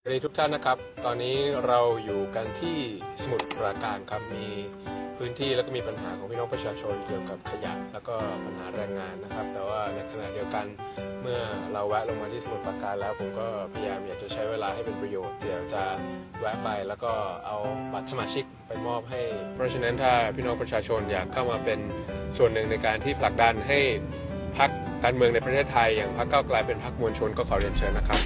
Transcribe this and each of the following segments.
สวัสดีทุกท่านนะครับตอนนี้เราอยู่กันที่สมุทรปราการครับมีพื้นที่แล้วก็มีปัญหาของพี่น้องประชาชนเกี่ยวกับขยะแล้วก็ปัญหาแรงงานนะครับแต่ว่าในขณะเดียวกันเมื่อเราแวะลงมาที่สมุทรปราการแล้วผมก็พยายามอยากจะใช้เวลาให้เป็นประโยชน์เดี๋ยวจะแวะไปแล้วก็เอาบัตรสมาชิกไปมอบให้เพราะฉะนั้นถ้าพี่น้องประชาชนอยากเข้ามาเป็นส่วนหนึ่งในการที่ผลักดันให้พรรคการเมืองในประเทศไทยอย่างพรรคก้าวไกลเป็นพรรคมวลชนก็ขอเรียนเชิญนะครับ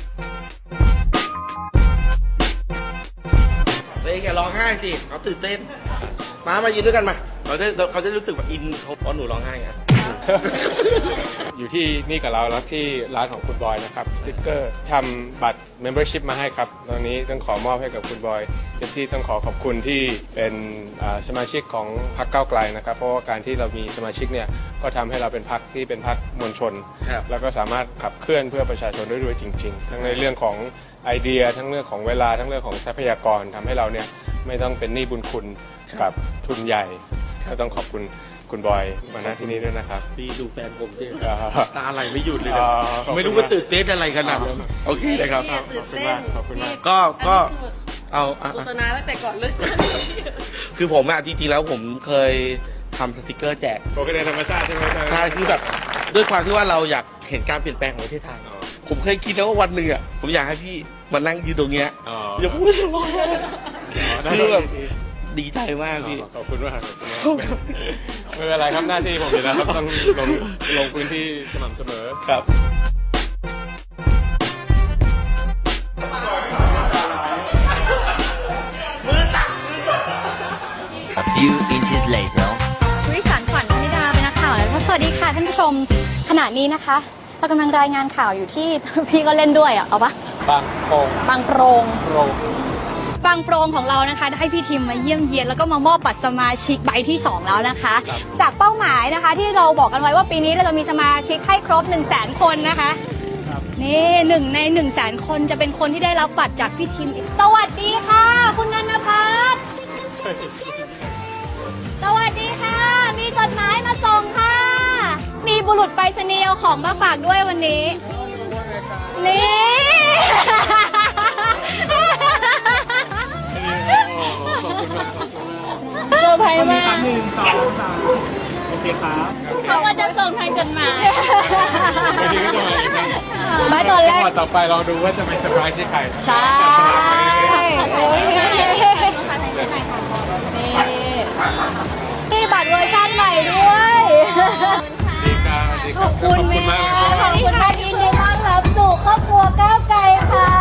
เฮ้ยแกร้องไห้สิเขาตื่นเต้นมายืนด้วยกันมาเขาจะรู้สึกว่าอินเขาเพราะหนูร้องไห้ไงอยู่ที่นี่กับเราแล้วที่ร้านของคุณบอยนะครับสติ๊กเกอร์ทำบัตร membership มาให้ครับตอนนี้ต้องขอมอบให้กับคุณบอยที่ต้องขอขอบคุณที่เป็นสมาชิกของพรรคก้าวไกลนะครับเพราะว่าการที่เรามีสมาชิกเนี่ยก็ทำให้เราเป็นพรรคที่เป็นพรรคมวลชนแล้วก็สามารถขับเคลื่อนเพื่อประชาชนได้ด้วยจริงๆทั้งในเรื่องของไอเดียทั้งเรื่องของเวลาทั้งเรื่องของทรัพยากรทำให้เราเนี่ยไม่ต้องเป็นหนี้บุญคุณกับทุนใหญ่ก็ต้องขอบคุณคุณบอยมาณที่นี้ด้วยนะครับพี่ดูแฟนผมสิตาอะไรไม่หยุดเลยไม่รู้ว่าตื่นเต้นอะไรขนาดนั้นโอเคนะครับขอบคุณมากขอบคุณมากก็เอาโฆษณาตั้งแต่ก่อนเลือกตั้งคือผมจริงๆแล้วผมเคยทำสติกเกอร์แจกปกติธรรมชาติใช่ไหมใช่คือแบบด้วยความที่ว่าเราอยากเห็นการเปลี่ยนแปลงของประเทศไทยผมเคยคิดแล้วว่าวันหนึ่งผมอยากให้พี่มานั่งยืนตรงเนี้ยอย่าพูดสมองคือแบบดีใจมากพี่ขอบคุณมากไม่เป็นไรครับหน้าที่ผมอยู่แล้วครับต้องลงพื้นที่สม่ำเสมอครับ A few inches later วิสารขวัญวณิดาเป็นนักข่าวแล้วสวัสดีค่ะท่านผู้ชมขณะนี้นะคะเรากำลังรายงานข่าวอยู่ที่ พี่ก็เล่นด้วยเอาปะบางโปร่งบางโปรงของเรานะคะได้พี่ทีมมาเยี่ยมเยียนแล้วก็มามอบบัตรสมาชิกใบที่2แล้วนะคะจากเป้าหมายนะคะที่เราบอกกันไว้ว่าปีนี้เราจะมีสมาชิกให้ครบ 100,000 คนนะคะนี่1 ใน 100,000 คนจะเป็นคนที่ได้รับบัตรจากพี่ทีมสวัสดีค่ะคุณนันทพัฒน์สวัสดีค่ะมีจดหมายมาส่งค่ะมีบุรุษไปรษณีย์เอาของมาฝากด้วยวันนี้นี่เซอร์ไพรส์มากโอเคครับเขาว่าจะส่งทางจดหมายไม่ดีก็จะไม่ตอนแรกต่อไปลองดูว่าจะไปเซอร์ไพรส์ที่ใครใช่นี่บัตรเวอร์ชันใหม่ด้วยขอบคุณแม่ขอบคุณมากยินดีต้อนรับสู่ครอบครัวก้าวไกลค่ะ